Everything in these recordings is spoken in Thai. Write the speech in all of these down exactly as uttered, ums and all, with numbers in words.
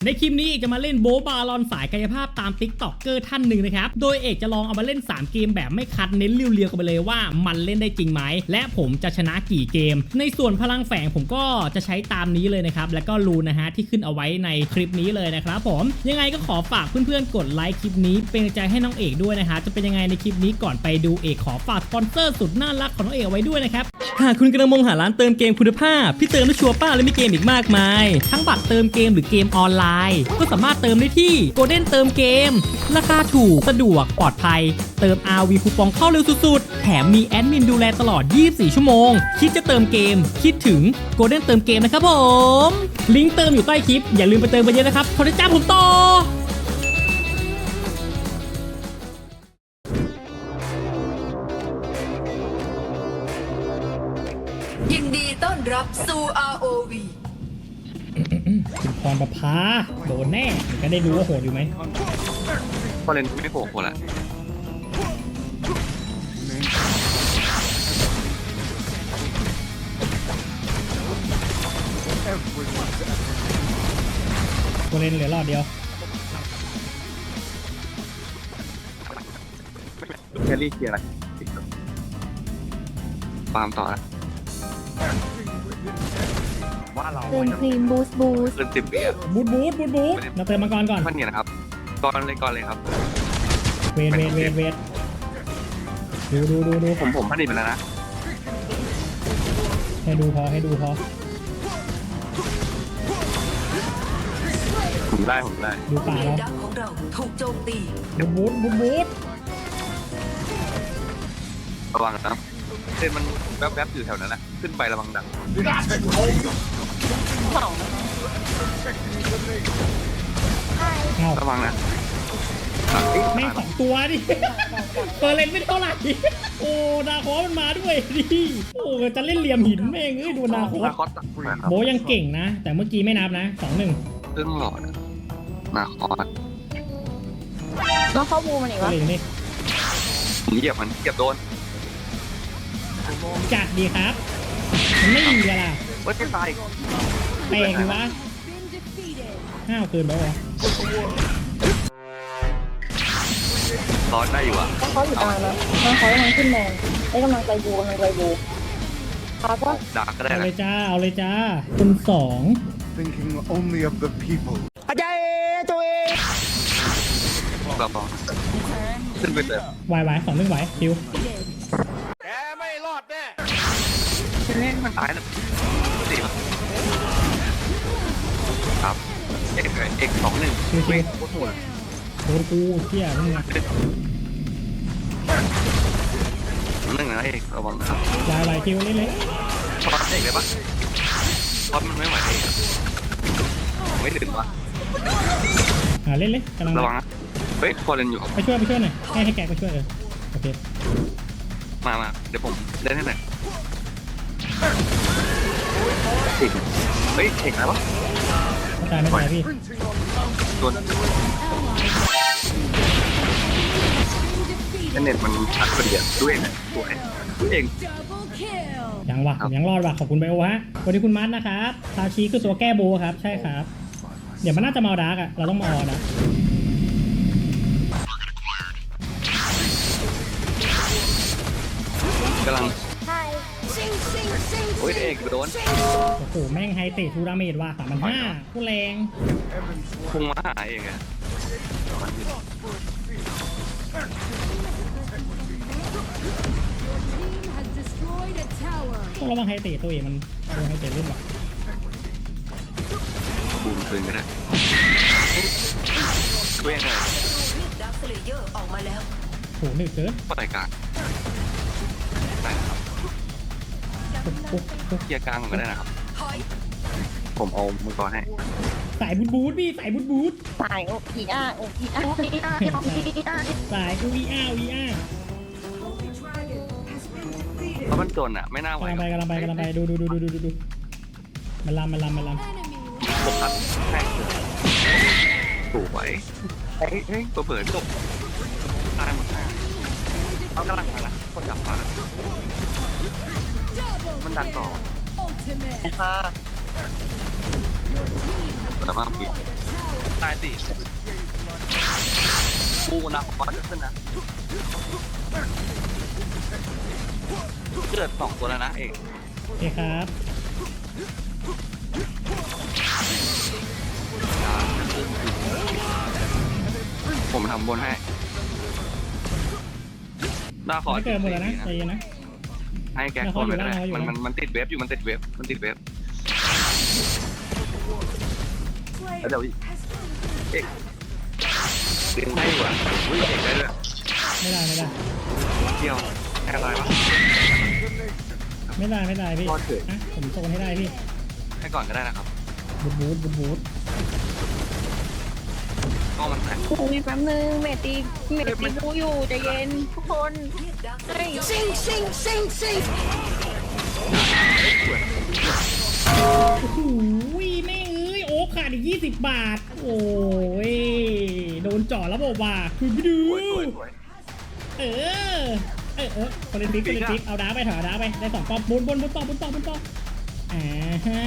ในคลิปนี้เอกจะมาเล่นโบบาลอนสายกายภาพตามติ๊กต็อกเกอร์ท่านหนึ่งนะครับโดยเอกจะลองเอามาเล่นสามเกมแบบไม่คัดเน้นเรียวๆกันไปเลยว่ามันเล่นได้จริงไหมและผมจะชนะกี่เกมในส่วนพลังแฝงผมก็จะใช้ตามนี้เลยนะครับแล้วก็รูนนะฮะที่ขึ้นเอาไว้ในคลิปนี้เลยนะครับผมยังไงก็ขอฝากเพื่อนๆกดไลค์คลิปนี้เป็นกำลังใจให้น้องเอกด้วยนะฮะจะเป็นยังไงในคลิปนี้ก่อนไปดูเอกขอฝากสปอนเซอร์สุดน่ารักของน้องเอกเอาไว้ด้วยนะครับหากคุณกำลังมองหาร้านเติมเกมคุณภาพที่เติมได้ชัวร์ป้าและมีเกมอีกมากมายทั้งบัตรเติมเกมหรือเกมออนไลน์ก็สามารถเติมได้ที่โกลเด้นเติมเกมราคาถูกสะดวกปลอดภัยเติม อาร์ วี คูปองเข้าเร็วสุดๆแถมมีแอดมินดูแลตลอดยี่สิบสี่ชั่วโมงคิดจะเติมเกมคิดถึงโกลเด้นเติมเกมนะครับผมลิงก์เติมอยู่ใต้คลิปอย่าลืมไปเติมกันเยอะนะครับขอได้จ้าผมต่อยินดีต้อนรับสู่ อาร์ โอ วีคุณพรประภาโดนแน่ก็ได้รู้ว่าโหดอยู่ไหมพอเล่นไม่โผล่คนละกูเล่นเหลือรอบเดียวแคลรี่เคลียร์อะไรฟาร์มต่อละว่าเราเติมครีมบูสต์บูสต์เกินสิบปีอะบูทบูทบูทบูทเราเติมมังกรก่อนมันเนี่ยนะครับก่อนเลยก่อนเลยครับเวทเวทเวทเวทดูดูดูดูผมผมพันนิดไปแล้วนะให้ดูพอให้ดูพอผมได้ผมได้ดูป่าเลเรานดักของเราถูกโจมตีบูทบูทบูทระวังนะเส้นมันแวบๆอยู่แถวนั้นนะขึ้นไประวังดักระวังนะแม่งสองตัวดิเปิดเลนไม่เท่าไหร่โอ้นาคอมันมาด้วยดิโอ้จะเล่นเหลี่ยมหินแม่งเอ้ยดูนาคอนาคอสตักครับโบยังเก่งนะแต่เมื่อกี้ไม่นับนะสองหนึ่งเรื่องหลอดนาคอสแล้วเข้าบูมันอีกก็วะเลยนี่ผมเหยียบมันเหยียบโดนจัดดีครับมันไม่ดีละล่ะว่าจะตายแปลกดีวะห้าวเกินไปวะร้อนได้อยู่อ่ะแล้วเขาอยู่กลางนะแล้วเขากำลังขึ้นแมนได้กำลังใจบูกำลังใจบูพาก็ดักก็ได้เอานะเลยจ้าเอาเลยจ้าคุณสอง thinking only of the people. เราลองขึ้นไปเติมวายวายสองหนึ่งไหวคิวมันตายแล้วสี่ครับเอกเอกสองหนึ่งคิวคิเว้วยโคตรโหดโดนกูเที่ยมึงอะหนึ่งนะเอกระวังนะครับวายวายคิวเล่นเลยช็อตเอกเลยปะช็อตมันไม่ไหวเอกไม่ถึงวะอ่าเล่นเลยกำลังระวังนะเฮ้ยพอเล่นอยู่ไปช่วยไปช่วยหน่อยให้ให้แกไปช่วยเออโอเคมามาเดี๋ยวผมเล่นให้หน่อยเอกเฮ้ยเอกอะไรวะไม่ตายไม่ตายพี่ตัวเน็ตมันชัดพอดีอ่ะด้วยนะตัวเองตัวเองยังวะผมยังรอดวะขอบคุณไบโอฮะสวัสดีคุณมัดนะครับซาชิคือตัวแก้โบครับใช่ครับเดี๋ยวมันน่าจะมาเอาดาร์กอะเราต้องมาเอาดาร์กกำลังใช่โอ้ยเอกโดนโอ้โหแม่งไฮเตะทูดาเมจว่ะสามพันห้าโคตรแรงพุ่งมาหาเองอะต้องระวังไฮเตะตัวเองมันโดนไฮเตะเล่นว่ะบูมคืนก็ได้ช่วยหน่อยดักสเลเยอร์ออกมาแล้วโหหนึบเกินปล่อยกลางได้ครับปุ๊บปุ๊บปุ๊บเคลียร์กลางก็ได้นะครับถอยผมเอามังกรให้สายบูทบูทพี่สายบูทบูทสายโอพีอาร์โอพีอาร์โอพีอาร์โอพีอาร์สายกูวีอาร์วีอาร์เพราะมันจนอ่ะไม่น่าไหวกำลังไปกำลังไปกำลังไปดูดูดูดูดูดูดูมันลำมันลำมันลโฟกัสแข่งถูกไว้เฮ้ยเฮ้ยตัวเปิดจบตายหมดหน้าเขากำลังมาละคนจับมามันดันต่อค่ะแต่ว่าปิดตายสี่กูนะผมว่าจะขึ้นนะเกิดสองตัวแล้วนะเอกโอเคครับผมทำบนให้หน้าขอไม่เกินหมดแล้วนะใจเย็นนะให้แกคนไปก็ได้มันมันมันติดเว็บอยู่มันติดเว็บมันติดเว็บแล้วเดี๋ยวเอกเลี้ยงได้กว่าอุ้ยเอกได้ด้วยไม่ได้ไม่ได้เที่ยวแค่ไรวะไม่ได้ไม่ได้พี่รอดเถอะนะผมโซนให้ได้พี่ให้ก่อนก็ได้นะครับบูทบูทบูทบูทก็มันแตกโอ้ยแป๊บนึงเมตตีเมตตีบูอยู่ใจเย็นทุกคนเฮ้ยซิงซิงซิงซิงโอ้โหแม่งเอ้ยโอ้ขาดอีกยี่สิบบาท โอ้ยโดนจ่อแล้วบอกว่าคือไปดูสวยสวยสวยเออเออเออคนเล่นติ๊กคนเล่นติ๊กเอาดาไปถอยเอาดาไปได้สองปอบบนบนบนต่อบนต่อบนต่ออ่าฮะ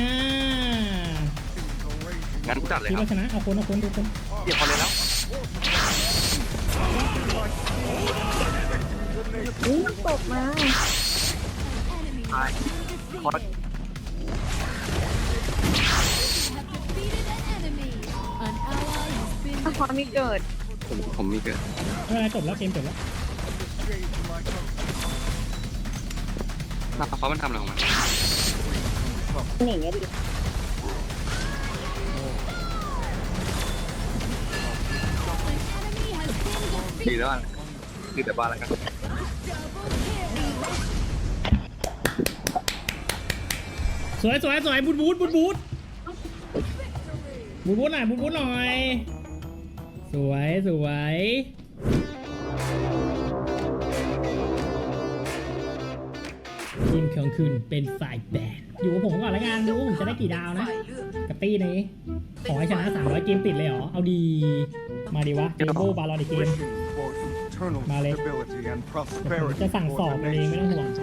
งั้นกูจัดเลยคิดครัว่าบชนะเอาคนเอาคนดูคนเดี๋ยวพอเลยแล้วอู้ตกมาตายคอร์ถ้าความมีเกิดผมผมมีเกิดไม่เป็นไรจบแล้วเกมจบแล้วหน้าเขามันทำอะไรของมันหนีไงดิดีแล้วอ่ะดีแต่บ้านแล้วกันสวยสวยสวยบูทบูทบูทบูทบูทบูทหน่อยบูทบูทหน่อยสวยสวยทีมของคุณเป็นฝ่ายแบนอยู่กับผมก่อนละกันดูว่าผมจะได้กี่ดาวนะฝ่ายเลือกกับตี้นี้ขอให้ชนะสามร้อยเกมติดเลยเหรอ เอาดี มาดีวะเจโบ้บาลอนอีกเกม For eternal Vale. stability and ผม prosperity จะสั่งสอบ for มัน the เองไม่ต้อง nation.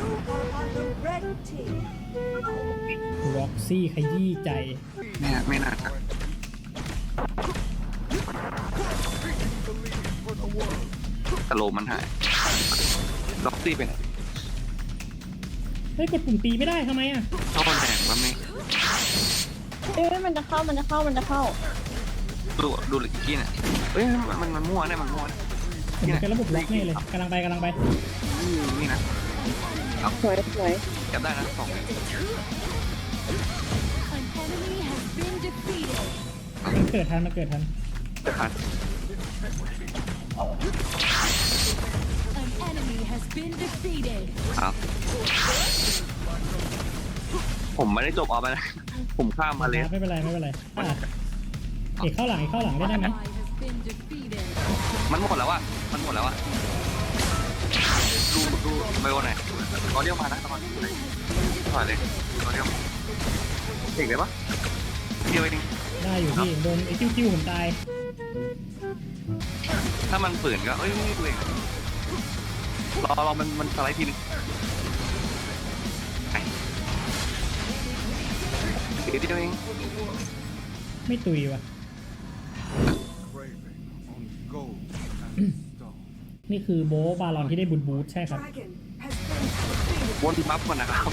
ห่วงร็อกซี่ขยี้ใจไม่น่าไม่น่าจะสโลมันหายล็อกซี่ไปไหนเฮ้ยกดปุ่มตีไม่ได้ทำไมอ่ะเข้าคนแดงมันไม่เอ้ยมันจะเข้ามันจะเข้ามันจะเข้าดูดูหรือกี้เนี่ยเอ้ยมันมันมันมั่วเนี่ยมันมั่วเนี่ยผมเป็นระบบล็อกแน่เลยกำลังไปกำลังไปนี่นะสวยสวยเก็บได้นะสองเนี่ยมันเกิดทันมันเกิดทันจะขาดครับ ผมไม่ได้จบเอาไปนะผมข้ามมาเลยไม่เป็นไรไม่เป็นไรอ่ะเอกเข้าหลังเอกเข้าหลังได้ไหมมันหมดแล้วอะมันหมดแล้วอะดูดูไบโอไหนตอนเดียวมานะตอนนี้ถอยเลยตอนเดียวเก่งเลยปะเดียวเองได้อยู่พี่โดนไอ้คิวคิวผมตายถ้ามันฝืนก็เอ้ยไม่ดูเองรอรอมันมันสไลด์ทีนึงไปเดี๋ยวเดียวเองไม่ตุยว่ะ Craving on gold and stone. นี่คือโบบาลอนที่ได้บูทบูทใช่ครับวนบัฟก่อนนะครับ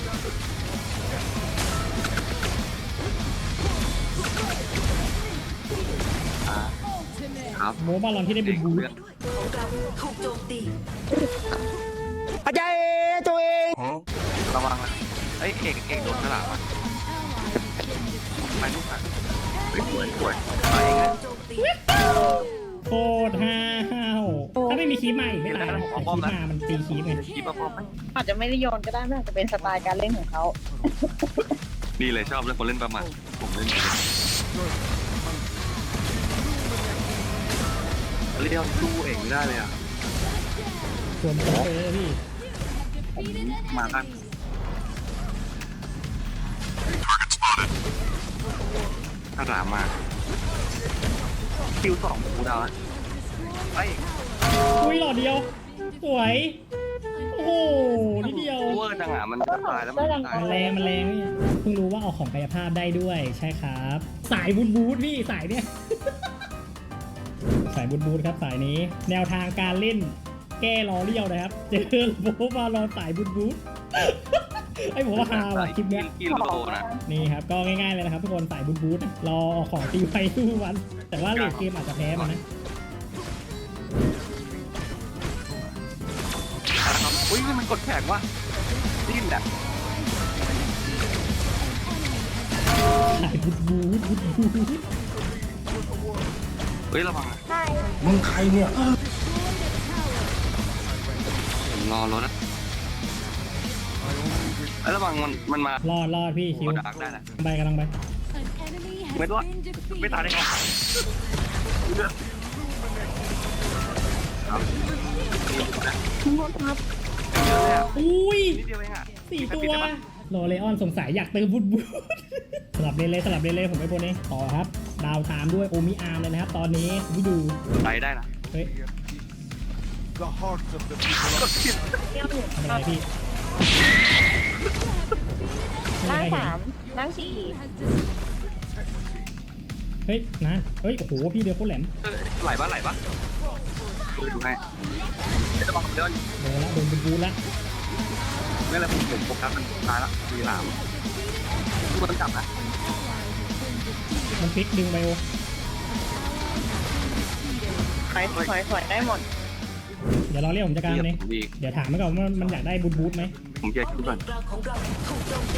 อ่าครับโบบาลอนที่ได้บูทบูทของเราถูกโจมตีระวังนะเอ้ยเอกเอกโดนกระหล่ำอ่ะไปลูกอ่ะสวยสวยไปเองนะโจมตีโคตรห้าวถ้าไม่มีคีบมาอีกไม่ตายนะแต่คีบมามันตีคีบไงกีบป้อมไหมอาจจะไม่ได้โยนก็ได้ไม่อาจจะเป็นสไตล์การเล่นของเขาดีเลยชอบเล่นคนเล่นประมาทผมเล่นเองเรียกสู้เองไม่ได้เลยอ่ะส่วนผมเลยพี่มากันกระหล่ำมาคิวสองกูดาวแล้วไอ้อุ้ยหลอดเดียว สวย โอ้โอ้โหนิดเดียวโอเวอร์จังอ่ะมันจะตายแล้วมันจะตายมันแรงมันแรงนี่เพิ่งรู้ว่าออกของกายภาพได้ด้วยใช่ครับ สายบูทบูทพี่สายเนี้ย สายบูทบูทครับสายนี้ แนวทางการเล่นแก้รอเลี้ยวนะครับเจอโบบารอสายบูทบูท ไอ้ผมว่าฮาว่ะคลิปเนี้ยกิโลนะนี่ครับก็ง่ายๆเลยนะครับทุกคนสายบูทบูทนะรอออกของตีไฟสู้วัน แต่ว่าเลดเกมอาจจะแพ้มันนะนะครับอุ้ยมันกดแข็งว่ะดิ้นอ่ะสายบูทบูทบูทบูทเฮ้ยระวังนะใช่มึงใครเนี่ยผมรอรถนะไอ้ระวังมันมันมารอดรอดพี่คิวกดดักได้นะไปกำลังไปไม่ตัวไม่ตายได้ไงเลือดครับนี่นะหมดครับเยอะเลยอ่ะอุ้ยนิดเดียวเองอ่ะสี่ตัวโรเลออนสงสัยอยากเติมบูทบูท สลับเลนเลยสลับเลนเลยผมไปบนเองต่อครับ ดาวตามด้วยโอมิอาร์มเลยนะครับ ตอนนี้วิดูไปได้นะเฮ้ย The hearts of the people กดผิดเที่ยวหนึ่งทำอะไรพี่ไม่ร่างมีใครเห็นสามร่างสี่เฮ้ยนะเฮ้ยโอ้โหพี่เดียวโคตรแหลมเออไหลปะไหลปะดูดูให้เดี๋ยวระวังเดี๋ยวโดนละโดนบูทบูทละไม่อะไรผมผมโฟกัสมันตายละมีหลามทุกคนจับนะมันพลิกดึงไบโอถอยถอยถอยได้หมดเดี๋ยวรอเรียกผมจัดการมันเองผมดีเดี๋ยวถามมันก่อนว่ามันอยากได้บูทบูทไหมผมเกียร์คิดก่อนกลางของเราถูกโจมตี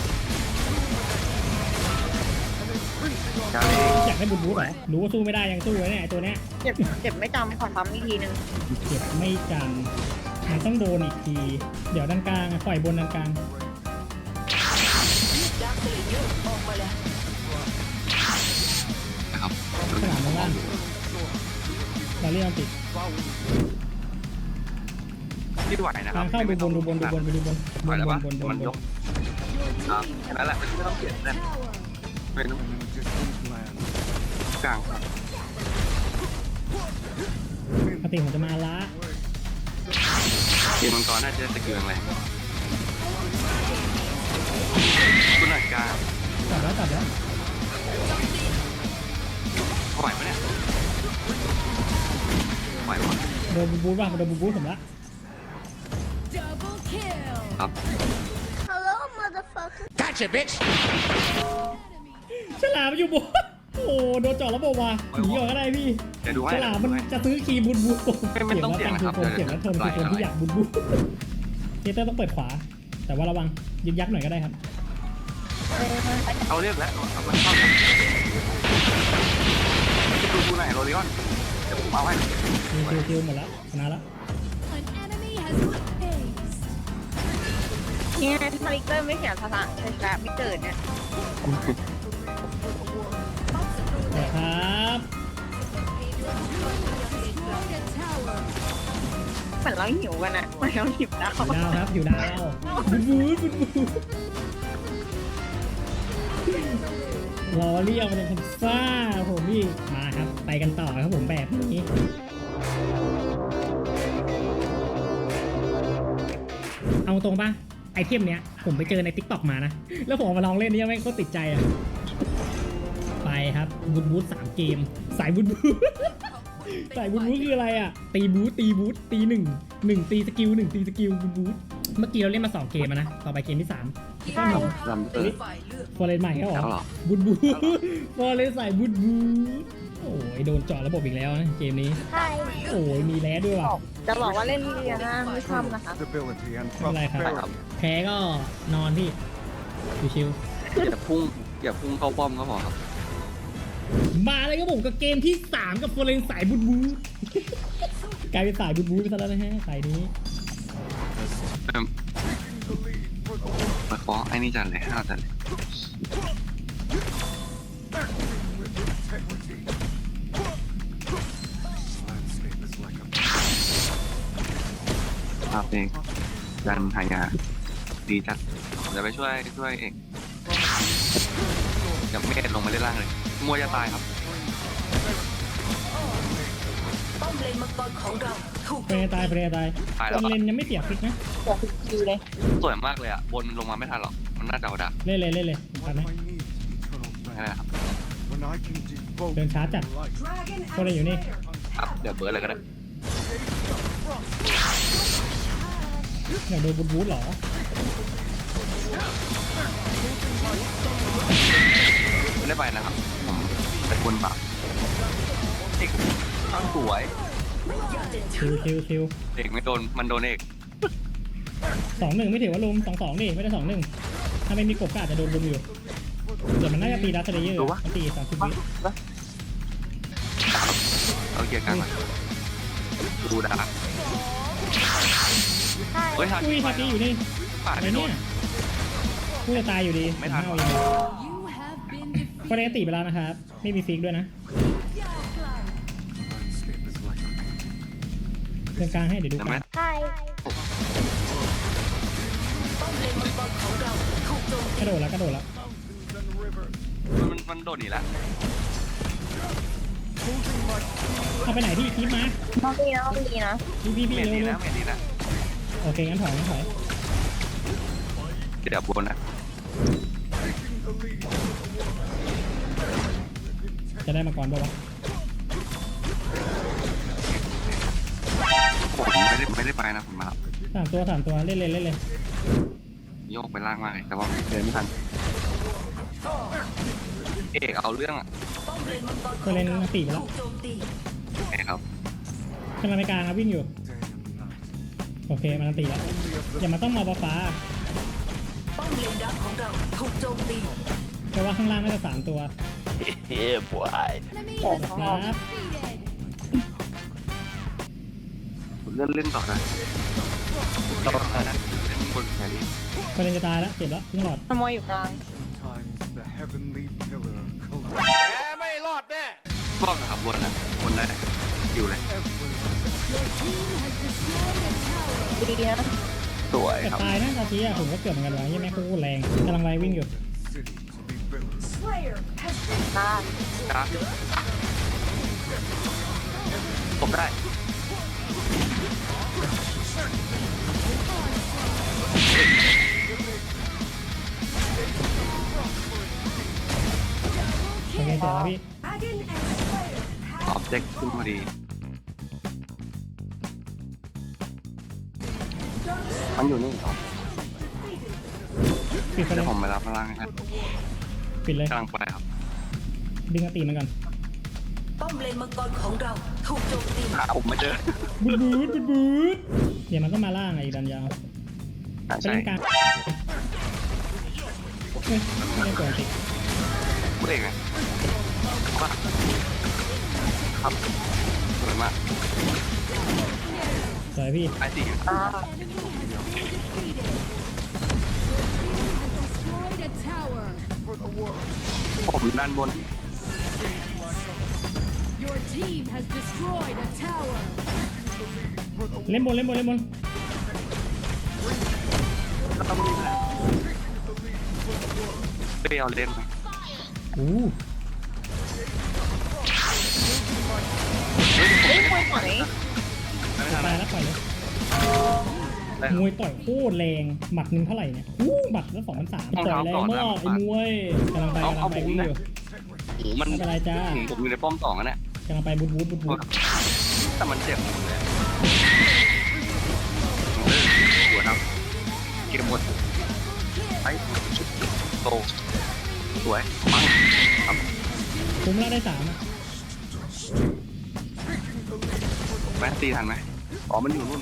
จาเล่อยากได้บูทบูทเหรอรู้ว่าสู้ไม่ได้ยังสู้ไว้เนี่ยไอ้ตัวเนี้ยเจ็บเจ็บไม่จำขอทำอีกทีนึงเจ็บไม่จำมันต้องโดนอีกที เดี๋ยวด้านกลางปล่อยบนด้านกลางดักเตยยืดออกมาแล้วนะครับสนามล่างเราเรียกมันติดที่ไหวนะคทารังบเข้าดูบนดูบนดูบนไปดูบนบไหวน แล้วบปะนบนบมันนยกครับแค่นั้นแหละไม่ต้องเปลี่ยนเลยเป็น in a distant land. กลางครับปกติผมจะมาละเกมมังกรน่าจะตะเกียงแรงคุณหนักกลางจับแล้วจับแล้วไหวปะเนี่ยไหวปะโดนบูบูทป่ะโดนบูบูทผมละครับฉลามมันอยู่บนโอ้โดนเจาะระบบว่ะหนีออกก็ได้พี่เดี๋ยวดูให้ฉลามมันจะซื้อคีย์บูบูทไม่ไม่ต้องเสี่ยงนะครับเสียงแล้วทนเดี๋คือยวคนที่อยากบูบูทเจเตอร์ต้องเปิดขวา แต่ว่าระวังยึกยักหน่อยก็ได้ครับเอาเรียกแล้วเอามันเข้าจะดูดูไหนโรลิออนเดี๋ยวผมเอาให้คิวคิวคิวหมดแล้วชนะแล้วเนี่ยทาริกเตอร์ไม่เขียนภาษาใช่ไหมไม่เกิดเนี่ยเดี๋ยวครับเหมือนเราหิวกันอะเหมือนเราหิวดาวอยู่ดาวครับอยู่ดาวบูบูทบูบูทรอเรียกมันเป็นคนซ่าผมพี่มาครับไปกันต่อครับผมแบบนี้ เอาตรงป่ะไอเทมเนี้ยผมไปเจอใน ติ๊กต็อก มานะ แล้วผมเอามาลองเล่นนี่ยังไม่โคตรติดใจอ่ะ ไปครับบูทบูทสามเกม สายบูทบูท สายบูทบูทคืออะไรอ่ะ ตีบูทตีบูทตีหนึ่งหนึ่งตีสกิลหนึ่งตีสกิลบูทบูทเมื่อกี้เราเล่นมาสองเกมอะนะ ต่อไปเกมที่สามใช่ลำเตอร์ฝ่ายเลือกฟอร์เรนใหม่ก็หรอเอาเหรอบูทบูทฟอร์เรนใส่บูทบูทโอ้ยโดนเจาะระบบอีกแล้วนะเกมนี้ใช่โอ้ยมีแร้ด้วยว่ะจะบอกว่าเล่นเรียนะไม่ชอบนะคะ Stability and ไม่เป็นไรครับ prosperity. แพ้ก็นอนพี่ชิวอย่าพุ่งอย่าพุ่งเข้าป้อมก็พอครับๆมาเลยครับผมกับเกมที่สามกับฟอร์เรนสายบูทบูท กลายเป็นสายบูทบูทไปซะแล้วนะฮะสายนี้เอิ่มมาขอไอ้นี่จันเลยห้าจันเลย Landscape is like a ภาพเองดันหายาดีจัดเดี๋ยวไปช่วยช่วยเอกกับเมธลงมาเล่นล่างเลยมัวจะตายครับป้อมเลนมังกรของเราถูกเปรย์ตายเปรย์ตายตายตแล้วอนเลนยังไม่เสียฟิกนะเสียฟิกคิวเลยสวยมากเลยอ่ะบนลงมาไม่ทันหรอกมันน่าจะเอาดักเล่นเลยเล่นเลยทัน What ไหม I need is eternal นั่นแหละ land. ครับ When I can devote Đừng xá chặt. my life. ก็เลยอยู่นี่ครับเดี๋ยวเบิร์ดเลยก็ได้อยากโดนบูทบูทเหรอไม่ได้ไปนะครับผมเป็นคนแบบเอกข้างสวยคิวคิวคิวเอกไม่โดนมันโดนเอกสองหนึ่งไม่ถือว่าลุมสองสองดิไม่ได้สองหนึ่งถ้าไม่มีกบก็อาจจะโดนลุมอยู่เดี๋ยวมันน่าจะตีดัสเลเยอร์มันตีสามสิบวิเอาเกียร์กลางมาดูดักเฮ้ยทันอุ้ยฮาตีอยู่นี่ป่าอะไรไม่โดเนี่นยกูจะตายอยู่ดีไม่ทันเอาอย่างนี้คนนี้ตีไปแล้วนะครับไม่มีฟิกด้วยนะ Landscape is like a เดินกลางให้เดี๋ยวดูใช่กไหมลางใช่ป้อมเลนมังกรของเราถูกโจมกตีระโดดแล้วกระโดดแล้ว mountains and rivers. มันมันโดนหนีแล้วเอาไปไหนพี่คีบมาน้องดีนะน้องดีนะพี่พี่พี่เมนเร็วดีเร็แล้ว วเมนดีแล้วโอเคงั้นถอยงั้นถอยเดี๋ยวบนนะจะได้มาก่อนป่าวะผมไม่ได้ไม่ได้ไปนะผมมาสามตัวสามตัวเล่นเลยเล่นเลยโยกไปล่างมากเลยแต่ว่าเดินไม่ทันเอกเอาเรื่องอ่ะป้อมเลนมังกรขก็องเล่นเราตีไปแล้วถูกโจมตีเอกครับกำลังไปกลางครับวิ่งอยู่ Day and night. โอเคมันตีแล้วอย่ามาต้องมาฟ้าป้อมเลนดักของเราถูกโจมตีเพราะว่าข้างล่างน่าจะสามตัวแต่ของคเรารับเล่นเล่นต่อนะต่อนะเล่นบนแครี่ก็เล่นจะตายแล้วเจ็บแล้วเพิ่งหลอดขโมยอยู่กลาง Sometimes the heavenly pillar collapses. ชอบนะครับบนนะบนได้อยู่เลยดีนะสวยแต่ครับตายนะตาทีอะผมก็เกือบเหมือนกันวะยี่แม่งโคตรแรงกำลังไล่วิ่งอยู่ City to be built. ตาจ้าผมได้โอเคเสร็จแล้วพี่ออบเจกต์ขึ้นพอดีมันอยู่นี่เหรอปิดไปเลเดี๋ยยวผมไปรับพลังครับปิดเลยกำลังไปครับดึงอติมันก่อนป้อมเลนมังกรของเราถูกโจมตีหาผมไม่เจอบูดบูดบูดบูดเดี๋ยวมันก็มาล่างไอ้ดันยาวอ่าไปใช่เล่นกลางเฮ้ยไม่ได้ปกติพูดเองไงว่าครับสวยมากสวยพี่ไอซีตาผมด้านบน Your team has destroyed a tower. เล่นบนเล่นบนเล่นบนเปรี้ยวเล่นไหมอู้เฮ้ยมวยถอยไม่ทันตายแล้วปล่อยเลยได้มวยต่อยโคตรแรงหมัดหนึ่งเท่าไหร่เนี่ยอู้หมัดละสองพันสามต่อยแรงมากไอ้มวยกำลังไปกำลังไปวิ่งอยู่โอ้มันไม่เป็นไรจ้าผมอยู่ในป้อมสองอะเนี่ยกำลังไปบูดบูดบูดบูดแต่มันเจ็บหมดเลยหัวครับเก็บหมดไอ้โตสวยปังครับคุ้มแล้วได้สามอะแมนตีทันไหมอ๋อมันอยู่นู่น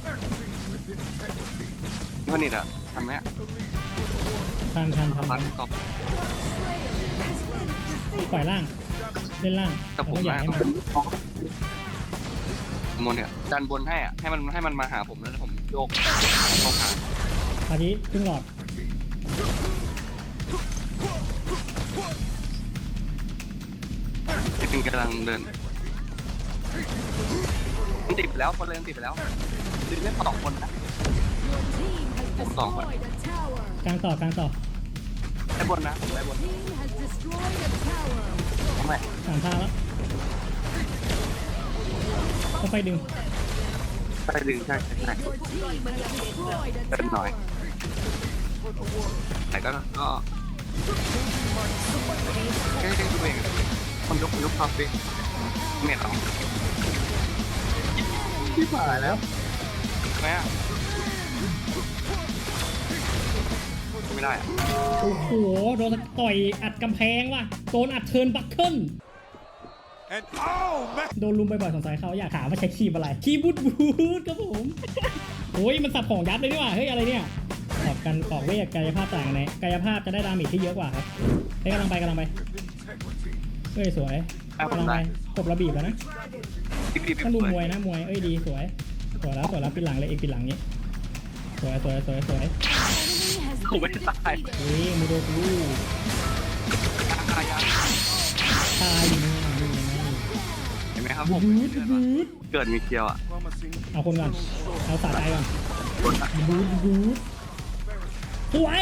นี่คนนี้อะทันไหมทันทันทันทัทันนตอบปล่อยล่างเล่นล่างแต่ผมแล้วก็อยากมาให้มันมนเนี่ยดันบนให้อ่ะให้มันให้มันมาหาผมแล้วผมโยกเข้าหาพาทีครึ่งหลอดจริงๆกำลังเดินมันติดไปแล้วคนเลยมันติดไปแล้วดึงเล่นสองคนนะ Your team has Hold on, destroyed a tower. กลางต่อกลางต่อได้บนนะได้บน Team has destroyed a tower. ทำไมสามทางแล้วโอต้องไปดึงใช่ดึงใช่ใช่ใช่ Your team has destroyed a Good night. tower. แต่ก็ก็แค่แค่ตัวเองคนยกยกความเป็นเมียเราที่ผ่านแล้วทำไมอ่ะไม่ได้อ่ะโอ้โหโดนต่อยอัดกำแพงว่ะโดนอัดเทิร์นบัคเกิล And oh man! โดนลุมบ่อยๆสงสัยเขาอยากถามว่าใช้ครีมอะไรครีมบูทบูทครับผมโอ้ยมันสับของยับเลยนี่หว่าเฮ้ยอะไรเนี่ยตอบกันออกเวทกายภาพต่างกันไหนกายภาพจะได้ดาเมจที่เยอะกว่าครับเฮ้ยกำลังไปกำลังไป Integrity. เฮ้ยสวยอ่ะผมกำลังได้ไปกบระบีบแล้วนะพี่พี่พี่ต้องดูมวยนะมวยเอ้ยดีสวยสวยแล้วสวยแล้วปิดหลังเลยเอกปิดหลังนี้สวยสวยสวยสวย Enemy has ผมไม่ been ตาย defeated. เฮ้ยมูโดกูตายยังตายอยู่นี่นี่ไงเห็นไหมครับผมบูทบูทเกิดมีเกียวอ่ะ Promising. เอาคนก่อนเอาสาใจก่อนคนอ่ะบูทบูทสวย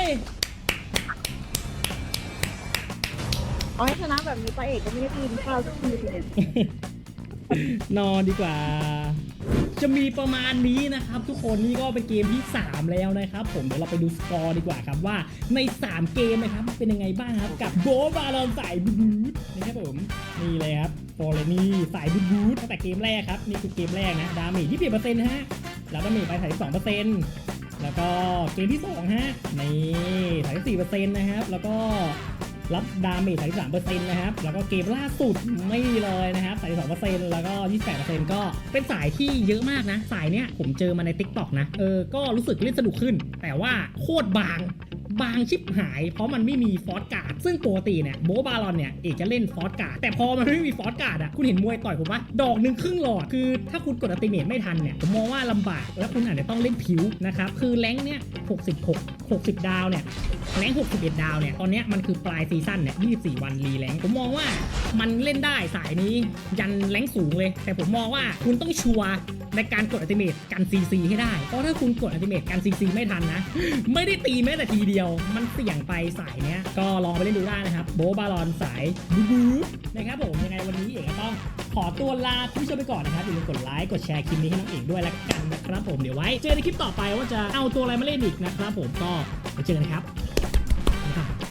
เอาให้ชนะแบบนี้ไปเอกก็ไม่ได้กินข้าวสักทีเนี่ยนอนดีกว่า จะมีประมาณนี้นะครับ ทุกคนนี่ก็เป็นเกมที่สามแล้วนะครับผมเดี๋ยวเราไปดูสกอร์ดีกว่าครับว่าในสามเกมนะครับเป็นยังไงบ้างครับกับโบบาลอนสายบูทนะครับผมนี่เลยครับโฟเลนี่สายบูทตั้งแต่เกมแรกครับนี่คือเกมแรกนะดาเมจยี่สิบเปอร์เซ็นต์ฮะแล้วดาเมจไปสามสิบสองเปอร์เซ็นต์แล้วก็เกมที่สองฮะนี่สามสิบสี่เปอร์เซ็นต์นะครับแล้วก็รับดาเมจ สามสิบสามเปอร์เซ็นต์ นะครับ แล้วก็เกมล่าสุดไม่เลยนะครับ สามสิบสองเปอร์เซ็นต์ แล้วก็ ยี่สิบแปดเปอร์เซ็นต์ ก็เป็นสายที่เยอะมากนะ สายเนี้ยผมเจอมาใน TikTok นะ เออ ก็รู้สึกเล่นสนุกขึ้น แต่ว่าโคตรบาง บางชิบหาย เพราะมันไม่มีฟอสการ์ด ซึ่งปกติเนี่ยโบบาลอนเนี่ยเอกจะเล่นฟอสการ์ด แต่พอมันไม่มีฟอสการ์ดอ่ะ คุณเห็นมวยต่อยผมปะดอกหนึ่งครึ่งหลอด คือถ้าคุณกดอัลติเมทไม่ทันเนี่ย ผมมองว่าลำบาก แล้วคุณอาจจะต้องเล่นผิวนะครับ คือแรงค์เนี่ยหกสิบหก หกสิบดาวเนี่ย แรงค์หกสิบเอ็ดดาวเนี่ย ตอนเนี้ยมันคือปลายซีซั่นเนี่ยยี่สิบสี่วันรีแรงค์ผมมองว่ามันเล่นได้สายนี้ยันแรงค์สูงเลย แต่ผมมองว่าคุณต้องชัวร์ในการกดอัลติเมทกัน ซี ซี ให้ได้ เพราะถ้าคุณกดอัลติเมทกัน ซี ซี ไม่ทันนะ ไม่ได้ตีแม้แต่ทีเดียว มันเสี่ยงไปสายเนี้ย ก็ลองไปเล่นดูได้นะครับ โบบาลอนสายบูบูนะครับผม ยังไงวันนี้เอกก็ต้องขอตัวลาคุณผู้ชมไปก่อนนะครับ อย่าลืมกดไลค์ กดแชร์คลิปนี้ให้น้องเอกด้วยละกันนะครับผม เดี๋ยวไว้เจอในคลิปต่อไปว่าจะเอาตัวอะไรมาเล่นอีกนะครับผม ก็ไปเจอกันครับบ๊ายบาย